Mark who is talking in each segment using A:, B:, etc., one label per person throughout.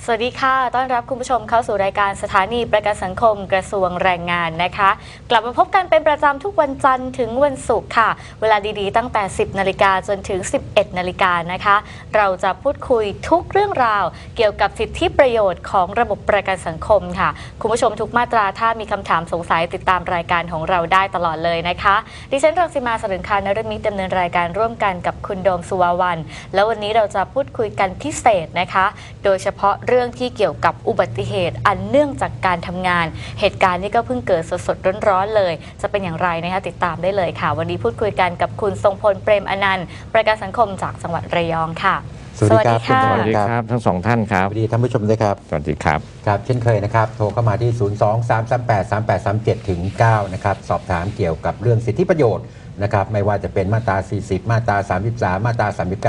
A: สวัสดีค่ะต้อนรับคุณผู้ชมเข้าสู่รายการสถานีประกันสังคมกระทรวงแรงงานนะคะกลับมาพบกันเป็นประจำทุกวันจันทร์ถึงวันศุกร์ค่ะเวลาดีๆตั้งแต่ 10 นาฬิกาจนถึง 11 นาฬิกานะคะเราจะพูดคุยทุกเรื่องราวเกี่ยวกับสิทธิประโยชน์ของระบบประกันสังคมค่ะคุณผู้ชมทุกมาตราถ้ามีคำถามสงสัยติดตามรายการของเราได้ตลอดเลยนะคะดิฉันรังสิมา สรึงคานฤมิตดำเนินรายการร่วมกันกับคุณโดมสุวาวันแล้ววันนี้เราจะพูดคุยกันพิเศษนะคะโดยเฉพาะเรื่องที่เกี่ยวกับอุบัติเหตุอันเนื่องจากการทำงานเหตุการณ์นี้ก็เพิ่งเกิดสดๆร้อนๆเลยจะเป็นอย่างไรนะคะติดตามได้เลยค่ะวันนี้พูดคุยกันกับคุณทรงพลเปรมอนันต์ประกันสังคมจากจังหวัดระยองค่ะ
B: สวัสดีครับ
C: สวัสดีครับทั้งสองท่านครับ
B: สวัสดีท่านผู้ชมด้วยครับ
C: สวัสดีครับ
B: ครับเช่นเคยนะครับโทรเข้ามาที่ 023383837 ถึง 9 นะครับสอบถามเกี่ยวกับเรื่องสิทธิประโยชน์นะครับไม่ว่าจะเป็นมาตรา 40 มาตรา 33 มาตรา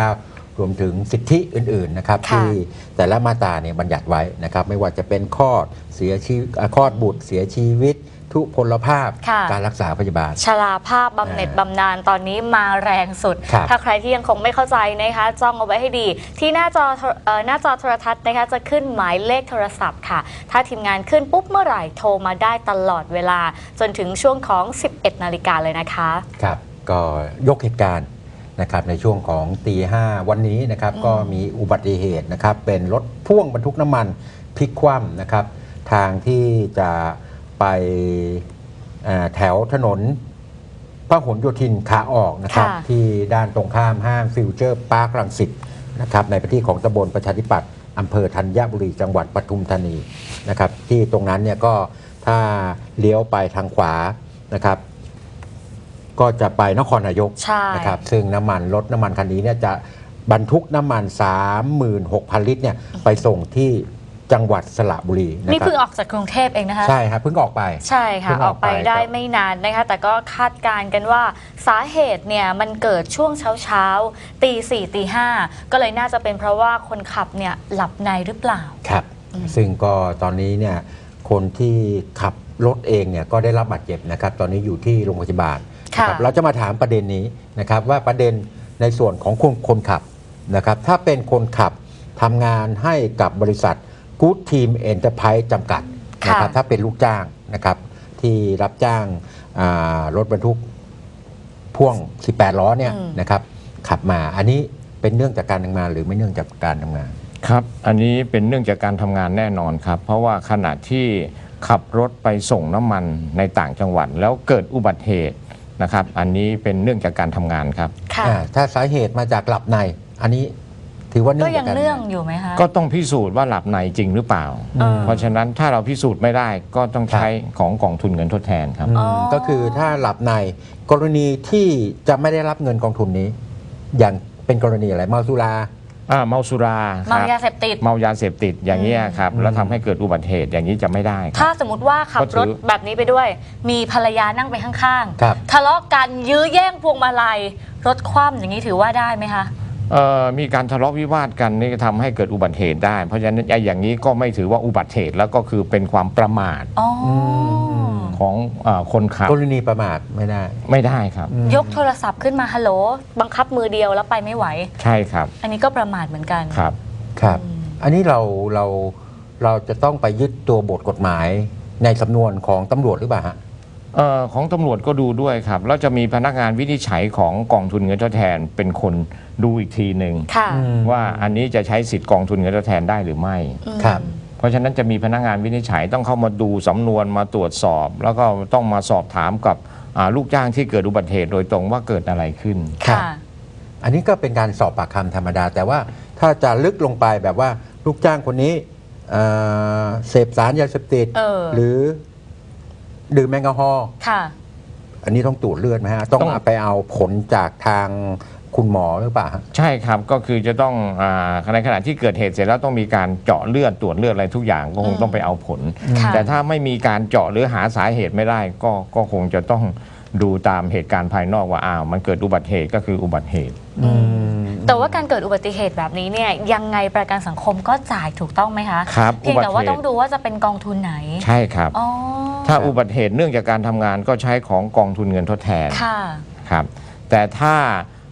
B: 39 รวมถึงสิทธิอื่นๆนะครับที่แต่ละมาตราเนี่ยบัญญัติไว้นะครับไม่ว่าจะเป็นคลอดบุตรเสียชีวิตทุพพลภาพการรักษาพยาบาล
A: ชราภาพบำเหน็จบำนาญตอนนี้มาแรงสุดถ้าใครที่ยังคงไม่เข้าใจนะคะจ้องเอาไว้ให้ดีที่หน้าจอโทรทัศน์นะคะจะขึ้นหมายเลขโทรศัพท์ค่ะถ้าทีมงานขึ้นปุ๊บเมื่อไหร่โทรมาได้ตลอดเวลาจนถึงช่วงของ 11 นาฬิกาเลยนะคะ
B: ครับก็ยกเหตุการณ์นะครับในช่วงของตี 5วันนี้นะครับก็มีอุบัติเหตุนะครับเป็นรถพ่วงบรรทุกน้ำมันพลิกคว่ำนะครับทางที่จะไปแถวถนนพหลโยธินขาออกนะครับที่ด้านตรงข้ามห้างฟิวเจอร์พาร์ครังสิตนะครับในพื้นที่ของตำบลประชาธิปัตย์อำเภอธัญบุรีจังหวัดปทุมธานีนะครับที่ตรงนั้นเนี่ยก็ถ้าเลี้ยวไปทางขวานะครับก็จะไปนครนายกนะครับซึ่งรถน้ำมันคันนี้เนี่ยจะบรรทุกน้ำมัน 36,000 ลิตรเนี่ยไปส่งที่จังหวัดสระบุรี
A: นี่เพิ่งออกจากกรุงเทพเองนะคะ
B: ใช่ครับเพิ่งออกไป
A: ใช่ค่ะออกไปได้ไม่นานนะคะแต่ก็คาดการณ์กันว่าสาเหตุเนี่ยมันเกิดช่วงเช้าตี 4 ตี 5ก็เลยน่าจะเป็นเพราะว่าคนขับเนี่ยหลับในหรือเปล่า
B: ครับซึ่งก็ตอนนี้เนี่ยคนที่ขับรถเองเนี่ยก็ได้รับบาดเจ็บนะครับตอนนี้อยู่ที่โรงพยาบาลเราจะมาถามประเด็นนี้นะครับว่าประเด็นในส่วนของคนขับนะครับถ้าเป็นคนขับทำงานให้กับบริษัทGood Team Enterprise จำกัดนะครับถ้าเป็นลูกจ้างนะครับที่รับจ้างรถบรรทุกพ่วง 18 ล้อเนี่ยนะครับขับมาอันนี้เป็นเนื่องจากการทำงานหรือไม่เนื่องจากการทำงาน
C: ครับอันนี้เป็นเนื่องจากการทำงานแน่นอนครับเพราะว่าขณะที่ขับรถไปส่งน้ำมันในต่างจังหวัดแล้วเกิดอุบัติเหตุนะครับอันนี้เป็นเนื่องจากการทำงานครับ
B: ถ้าสาเหตุมาจากหลับในอันนี้ถือว่า
A: ก็ยังเนื่องอยู่ไหมคะ
C: ก็ต้องพิสูจน์ว่าหลับในจริงหรือเปล่าเพราะฉะนั้นถ้าเราพิสูจน์ไม่ได้ก็ต้องใช้ของกองทุนเงินทดแทนครับ
B: ก็คือถ้าหลับในกรณีที่จะไม่ได้รับเงินกองทุนนี้อย่างเป็นกรณีอะไรเมาสุรา
C: เมาสุรา
A: เมายาเสพติด
C: อย่างนี้ครับแล้วทำให้เกิดอุบัติเหตุอย่างนี้จะไม่ได้
A: ถ้าสมมติว่าขับรถแบบนี้ไปด้วยมีภรรยานั่งไปข้างๆทะเลาะกันยื้อแย่งพวงมาลัยรถคว่ำอย่างนี้ถือว่าได้ไหมคะ
C: มีการทะเลาะวิวาทกันนี่ทำให้เกิดอุบัติเหตุได้เพราะฉะนั้นอย่างนี้ก็ไม่ถือว่าอุบัติเหตุแล้วก็คือเป็นความประมาทของคนขับ
B: กรณีประมาทไม่
C: ได้ครับ
A: ยกโทรศัพท์ขึ้นมาฮัลโหลบังคับมือเดียวแล้วไปไม่ไหว
C: ใช่ครับ
A: อันนี้ก็ประมาทเหมือนกัน
B: ครับอันนี้เราจะต้องไปยึดตัวบทกฎหมายในสำนวนของตำรวจหรือเปล่าฮะ
C: ของตำรวจก็ดูด้วยครับแล้วจะมีพนักงานวินิจฉัยของกองทุนเงินทดแทนเป็นคนดูอีกทีหนึ่งว่าอันนี้จะใช้สิทธิ์กองทุนเงินทดแทนได้หรือไม่
B: ครับ
C: เพราะฉะนั้นจะมีพนักงานวินิจฉัยต้องเข้ามาดูสำนวนมาตรวจสอบแล้วก็ต้องมาสอบถามกับลูกจ้างที่เกิดอุบัติเหตุโดยตรงว่าเกิดอะไรขึ้น
B: อันนี้ก็เป็นการสอบปากคำธรรมดาแต่ว่าถ้าจะลึกลงไปแบบว่าลูกจ้างคนนี้เสพสารยาเสพติดหรือดื่มแอลกอฮอล์อันนี้ต้องตรวจเลือดไหมฮะต้องไปเอาผลจากทางคุณหมอหรือเปล่า
C: ใช่ครับก็คือจะต้องในขณะที่เกิดเหตุเสร็จแล้วต้องมีการเจาะเลือดตรวจเลือดอะไรทุกอย่างก็คงต้องไปเอาผลแต่ถ้าไม่มีการเจาะหรือหาสาเหตุไม่ได้ก็คงจะต้องดูตามเหตุการณ์ภายนอกว่ามันเกิดอุบัติเหตุก็คืออุบัติเหตุ
A: แต่ว่าการเกิดอุบัติเหตุแบบนี้เนี่ยยังไงประกันสังคมก็จ่ายถูกต้องไหมคะ
C: ครับ
A: เพียงแต่ว่าต้องดูว่าจะเป็นกองทุนไหน
C: ใช่ครับถ้าอุบัติเหตุเนื่องจากการทำงานก็ใช้ของกองทุนเงินทดแทนครับแต่ถ้า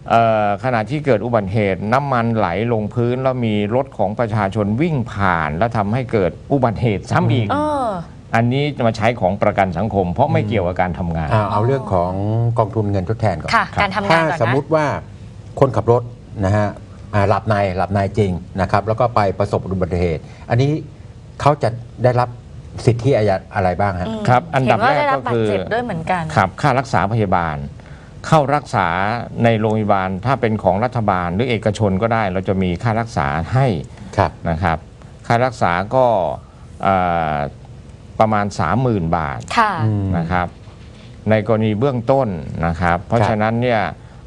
C: ขณะที่เกิดอุบัติเหตุน้ำมันไหลลงพื้นแล้วมีรถของประชาชนวิ่งผ่าน แล้วทำให้เกิดอุบัติเหตุซ้ำอีกอันนี้จะมาใช้ของประกันสังคมเพราะไม่เกี่ยวกับการทำงาน
B: เอาเรื่องของกองทุนเงินทดแทนก่อน
A: ค่ะการทำงานก่อนนะ
B: ถ้าสมมุติว่าคนขับรถนะฮะหลับในจริงนะครับแล้วก็ไปประสบอุบัติเหตุอันนี้เขาจะได้รับสิทธิอะไรบ้างฮะ
C: ครับอันดับแรกก็คือ
A: เจ็บด้วยเหมือนกัน
C: ครับค่ารักษาพยาบาลเข้ารักษาในโรงพยาบาลถ้าเป็นของรัฐบาลหรือเอกชนก็ได้เราจะมีค่ารักษาให้นะครับค่ารักษาก็ประมาณ 30,000 บาทนะครับในกรณีเบื้องต้นนะครับเพราะฉะนั้นเนี่ย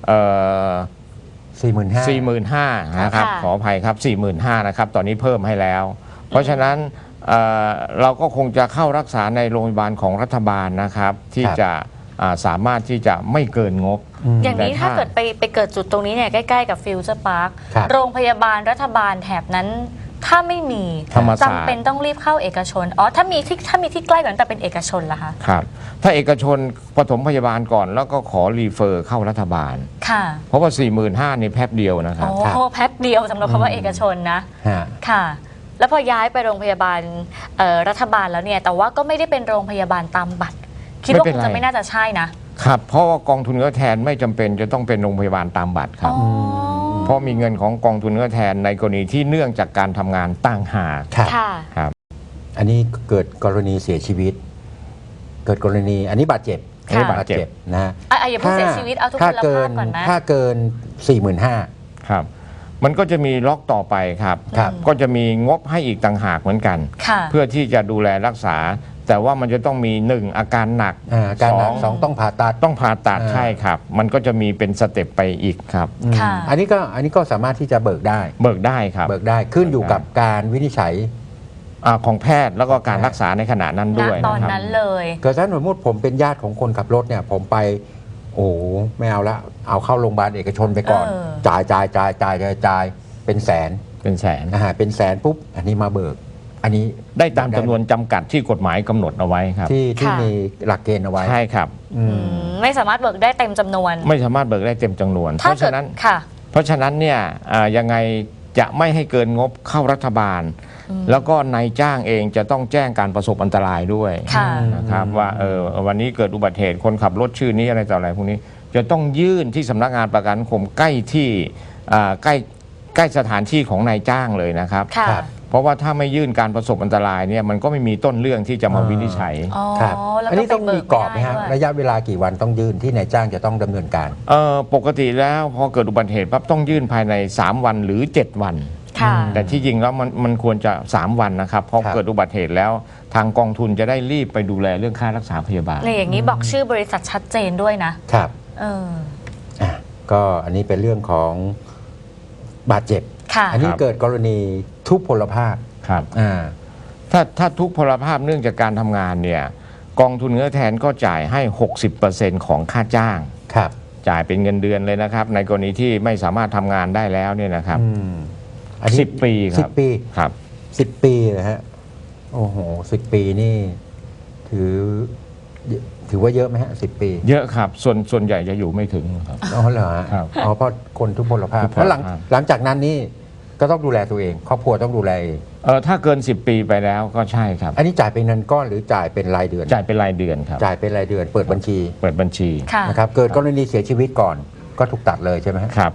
C: 45,000นะครับขออภัยครับ 45,000นะครับตอนนี้เพิ่มให้แล้วเพราะฉะนั้นเราก็คงจะเข้ารักษาในโรงพยาบาลของรัฐบาลนะครับที่จะสามารถที่จะไม่เกินงบ
A: อย่างนี้ถ้าเกิดไปเกิดจุดตรงนี้เนี่ยใกล้ๆกับฟิวเจอร์พาร์คโรงพยาบาลรัฐบาลแถบนั้นถ้าไม่มีจำเป็นต้องรีบเข้าเอกชนถ้ามีที่ใกล้กว่านั้นแต่เป็นเอกชนล่ะคะ
C: ครับถ้าเอกชนปฐมพยาบาลก่อนแล้วก็ขอรีเฟอร์เข้ารัฐบาล
A: ค่ะ
C: เพราะว่า 45,000นี่แป๊บเดียวนะครับ
A: โอ้แป๊บเดียวสำหรับคำว่าเอกชนนะค่ะแล้วพอย้ายไปโรงพยาบาลรัฐบาลแล้วเนี่ยแต่ว่าก็ไม่ได้เป็นโรงพยาบาลตามบัตรคิดว่าคงจะไม่น่าจะใช่นะครับ
C: เพราะว่ากองทุนเงินแทนไม่จำเป็นจะต้องเป็นโรงพยาบาลตามบัตรครับเพราะมีเงินของกองทุนเงินแทนในกรณีที่เนื่องจากการทำงานต่างหาก
B: ครับอันนี้เกิดกรณีเสียชีวิตเกิดกรณีอันนี้บาดเจ็บนะฮะ
A: อย่าพูดเสียชีวิตเอาทุกคนละภาพก่อนนะ
B: ถ้าเกิน 45,000
C: ครับมันก็จะมีล็อกต่อไปครับก็จะมีงบให้อีกต่างหากเหมือนกันเพื่อที่จะดูแลรักษาแต่ว่ามันจะต้องมี1อาการหนัก
B: 2ต้องผ่า
C: ตัดใช่ครับมันก็จะมีเป็นสเต็ปไปอีกครับ
B: อันนี้ก็สามารถที่จะเบิกได้
C: ครับ
B: เบิกได้ขึ้นอยู่กับการวินิจฉัย
C: ของแพทย์แล้วก็การรักษาในขณะนั้นด้วย
A: ตอนนั้นเลย
B: เกิดถ้าสมมติผมเป็นญาติของคนขับรถเนี่ยผมไปโอ้ไม่เอาละเอาเข้าโรงพยาบาลเอกชนไปก่อนจ่ายเป็นแสนเป็นแสนปุ๊บอันนี้มาเบิกอันนี้
C: ได้ตามจำนวนจำกัดที่กฎหมายกำหนดเอาไว้ครับ
B: ที่มีหลักเกณฑ์เอาไว้
C: ใช่ครับ
A: ไม่สามารถเบิกได้เต็มจำนวน
C: ไม่สามารถเบิกได้เต็มจำนวนเพราะฉะนั้นเนี่ยยังไงจะไม่ให้เกินงบเข้ารัฐบาลแล้วก็นายจ้างเองจะต้องแจ้งการประสบอันตรายด้วยนะครับว่าวันนี้เกิดอุบัติเหตุคนขับรถชื่อนี้อะไรต่ออะไรพวกนี้จะต้องยื่นที่สำนักงานประกันสังคมใกล้ที่ใกล้สถานที่ของนายจ้างเลยนะครับเพราะว่าถ้าไม่ยื่นการประสบอันตรายเนี่ยมันก็ไม่มีต้นเรื่องที่จะมาวินิจฉัย
B: ครับอันนี้ต้องมีกรอบไหมครับระยะเวลากี่วันต้องยื่นที่นายจ้างจะต้องดำเนินการ
C: ปกติแล้วพอเกิดอุบัติเหตุปั๊บต้องยื่นภายใน3วันหรือ7วันแต่ที่จริงแล้วมันควรจะ3วันนะครับเพราะเกิดอุบัติเหตุแล้วทางกองทุนจะได้รีบไปดูแลเรื่องค่ารักษาพยาบาล
A: ในอย่างนี้บอกชื่อบริษัทชัดเจนด้วยนะครับ
B: ก็อันนี้เป็นเรื่องของบาดเจ็บอันนี้เกิดกรณีทุพพลภาพ
C: ครับถ้าทุพพลภาพเนื่องจากการทำงานเนี่ยกองทุนเงินแทนก็จ่ายให้ 60% ของค่าจ้างจ่ายเป็นเงินเดือนเลยนะครับในกรณีที่ไม่สามารถทำงานได้แล้วเนี่ยนะครับ10 ปีครับ
B: 10 ปี
C: ครับ
B: 10 ปีนะฮะโอ้โห10 ปีนี่ถือว่าเยอะไหมฮะ10 ปี
C: เยอะครับส่วนใหญ่จะอยู่ไม่ถึงครับ
B: เหรอเพราะคนทุพพลภาพแล้วหลังจากนั้นนี่ก็ต้องดูแลตัวเองครอบครัวต้องดูแล
C: ถ้าเกิน10 ปีไปแล้วก็ใช่ครับ
B: อันนี้จ่ายเป็นเงินก้อนหรือจ่ายเป็นรายเดือน
C: จ่ายเป็นรายเดือนครับ
B: จ่ายเป็นรายเดือนเปิดบัญชี
A: น
B: ะครับเกิดกรณีเสียชีวิตก่อนก็ถูกตัดเลยใช่ไหม
C: ครับ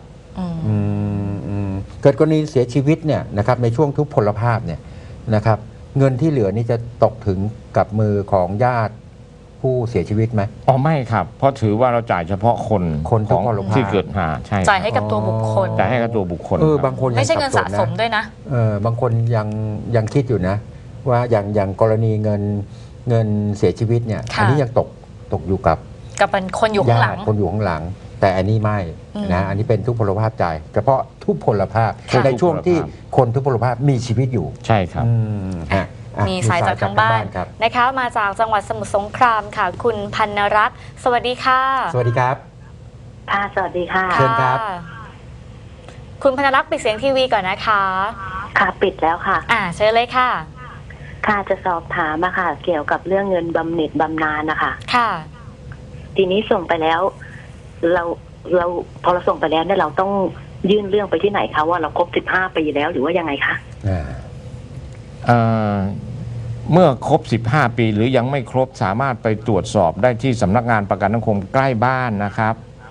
B: เกิดกรณีเสียชีวิตเนี่ยนะครับในช่วงทุพพลภาพเนี่ยนะครับเงินที่เหลือนี่จะตกถึงกับมือของญาติผู้เสียชีวิตไหม
C: ไม่ครับเพราะถือว่าเราจ่ายเฉพาะคน
B: ของ
C: ที่เกิดใช่
A: จ่ายให้กับตัวบุคคล
C: จ่ายให้กับตัวบุคคล
B: บางคน
A: ไม่ใช่เงินสะสมด้วยนะ
B: บางคนยังคิดอยู่นะว่าอย่างกรณีเงินเสียชีวิตเนี่ยอันนี้ยังตกอยู่กับ
A: เป็นคนอยู่ข้างหลัง
B: แต่อันนี้ไม่นะอันนี้เป็นทุพพลภาพจ่ายเฉพาะทุพพลภาพในช่วงที่คนทุพพลภาพมีชีวิตอยู่
C: ใช่ครับ
A: มีสายจากทางบ้านนะคะมาจากจังหวัดสมุทรสงครามค่ะคุณพันรัตน์สวัสดีค่ะ
B: สวัสดีครับ
D: สวัสดีค่ะ
B: เชิญครับ
A: คุณพันรัตน์ปิดเสียงทีวีก่อนนะคะ
D: ค่ะปิดแล้วค่ะ
A: เชิญเลยค่ะ
D: ค่ะจะสอบถามค่ะเกี่ยวกับเรื่องเงินบำเหน็จบำนาญนะคะ
A: ค่ะ
D: ทีนี้ส่งไปแล้วเราเราพอเราส่งไปแล้วเนี่ยเราต้องยื่นเรื่องไปที่ไหนคะว่าเราครบ15 ปีแล้วหรือว่ายังไงคะ
B: อ่า
C: เอ่อเมื่อครบ 15 ปีหรือยังไม่ครบสามารถไปตรวจสอบได้ที่สำนักงานประกันสังคมใกล้บ้านนะครับ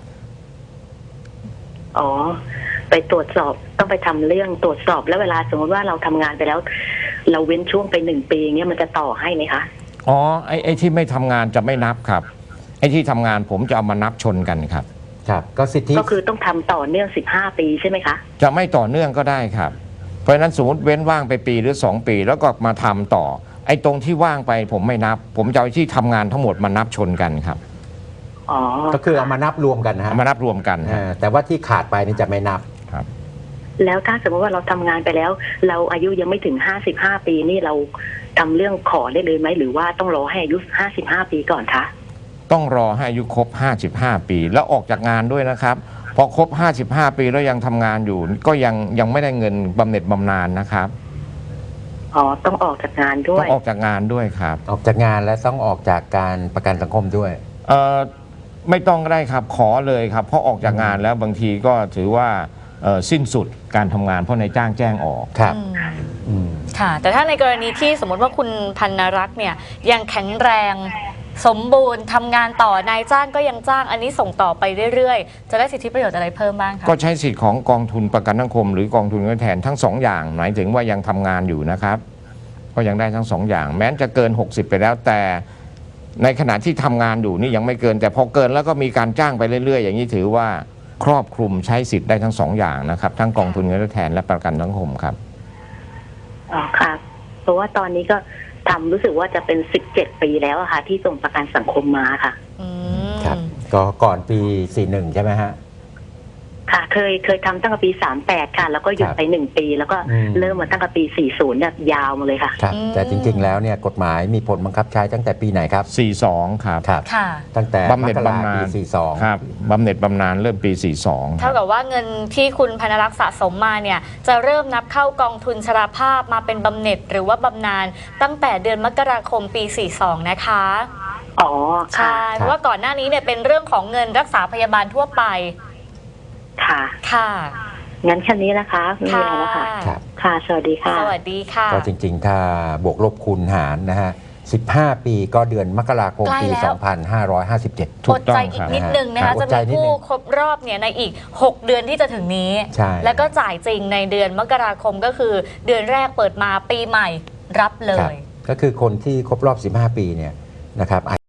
D: อ๋อไปตรวจสอบต้องไปทำเรื่องตรวจสอบแล้วเวลาสมมติว่าเราทำงานไปแล้ว เราเว้นช่วงไป1 ปีเงี้ยมันจะต่อให้ไหมคะ
C: อ๋อไอ้ที่ไม่ทำงานจะไม่นับครับไอ้ที่ทำงานผมจะเอามานับชนกันครับ
B: ครับก็สิทธิ
D: ก็คือต้องทำต่อเนื่อง15 ปีใช่ไหมคะ
C: จะไม่ต่อเนื่องก็ได้ครับ เพราะฉะนั้นสมมติเว้นว่างไปปีหรือ 2 ปีแล้วก็มาทำต่อไอ้ตรงที่ว่างไปผมไม่นับ ผมจะเอาที่ทำงานทั้งหมดมานับชนกันครับ
D: อ๋อ
B: ก็คือเอามานับรวมกันนะฮะ
C: เอามานับรวมกันครับ
B: แต่ว่าที่ขาดไปนี่จะไม่นับ
C: ครับ
D: แล้วถ้าสมมติว่าเราทำงานไปแล้ว เราอายุยังไม่ถึง55 ปีนี่เราทำเรื่องขอได้เลยไหมหรือว่าต้องรอให้อายุ55 ปีก่อนคะ
C: ต้องรอให้อายุครบ 55 ปีแล้วออกจากงานด้วยนะครับ พอครบ 55 ปีแล้วยังทำงานอยู่ ก็ยังไม่ได้เงินบำเหน็จบำนาญนะครับ
D: อ๋อต้องออกจากงานด้
C: ต้
D: ว
C: อย งออกจากงานด้วยครับ
B: ออกจากงานและต้องออกจากการประกันสังคมด้วย
C: เอ่อไม่ต้องก็ได้ครับขอเลยครับเพราะออกจากงานแล้วบางทีก็ถือว่าสิ้นสุดการทำงานเพราะนายจ้างแจ้งออก
B: ครับ
A: อืม
B: อืม
A: ค่ะ แต่ถ้าในกรณีที่สมมติว่าคุณพันนรักษ์เนี่ยยังแข็งแรงสมบูรณ์ทำงานต่อนายจ้างก็ยังจ้างอันนี้ส่งต่อไปเรื่อยๆ จะได้สิทธิประโยชน์อะไรเพิ่มบ้างคะ
C: ก็ใช้สิทธิ์ของกองทุนประกันสังคมหรือกองทุนเงินแทนทั้ง 2 อย่างหมายถึงว่ายังทำงานอยู่นะครับ ก็ยังได้ทั้ง 2 อย่าง แม้จะเกิน 60 ไปแล้วแต่ในขณะที่ทำงานอยู่นี่ยังไม่เกิน แต่พอเกินแล้วก็มีการจ้างไปเรื่อยๆ อย่างนี้ถือว่าครอบคลุมใช้สิทธิ์ได้ทั้ง 2 อย่างนะครับทั้งกองทุนเงินทดแทนและประกันสังคมครับ
D: อ๋อค่ะ เพราะว่าตอนนี้ก็ทำรู้สึกว่าจะเป็น17 ปีแล้วอะค่ะ ที่ส่งประกันสังคมมาค่ะ
A: อืม
B: ครับ ก็ก่อนปี 41 ใช่ไหมฮะ
D: ค่ะ เคยทำตั้งแต่ปี38ค่ะ แล้วก็หยุด
B: ครับ
D: ไป1 ปีแล้วก็
B: อืม
D: เริ่มมาตั้งแต่ปี40เนี่ยยาวมาเลยค่ะ
B: ครับ แต่จริง ๆ แล้วเนี่ยกฎหมายมีผลบังคับใช้ตั้งแต่ปีไหนครับ
C: 42 ครับ
B: ครับ
A: ค่ะ
B: ตั้งแต่
C: บำเหน็จ
B: มกรา
C: บำนาญ
B: ปี 42
C: ครับบำเหน็จบำนาญเริ่มปี 42
A: เท่ากับว่าเงินที่คุณพนรักษ์สะสมมาเนี่ยจะเริ่มนับเข้ากองทุนชราภาพมาเป็นบำเหน็จหรือว่าบำนาญตั้งแต่เดือนมกราคมปี 42 นะคะ
D: อ๋อค่ะ
A: ใช่เพราะว่าก่อนหน้านี้เนี่ยเป็นเรื่องของเงินรักษาพยาบาลทั่วไป
D: ค่ะ
A: ค่ะ
D: งั้นแค่นี้นะคะไม่มีอะไรแล้วค่ะ
B: ครับ
D: ค่ะ สวัสดีค่ะ
A: สวัสดีค่ะ
B: ก็จริง ๆ ถ้าบวกลบคูณหารนะฮะ 15 ปีก็เดือนมกราคมปี
A: ใกล้แล้ว
B: 2557
C: ถู
A: อก ด
C: ต้อง
A: ใจ
C: ค
A: อีก
C: รับ
A: นิดนึงนะ
B: ครั
A: คะ
B: บ
A: จะ
B: อดใจ
A: มี
B: นิดนึง
A: ผู้ครบรอบเนี่ยในอีก 6 เดือนที่จะถึงนี้
B: ใช่
A: แล้วก็จ่ายจริงในเดือนมกราคมก็คือเดือนแรกเปิดมาปีใหม่รับเล
B: ครับ
A: ย
B: ก็คือคนที่ครบรอบ 15 ปีเนี่ยนะครับ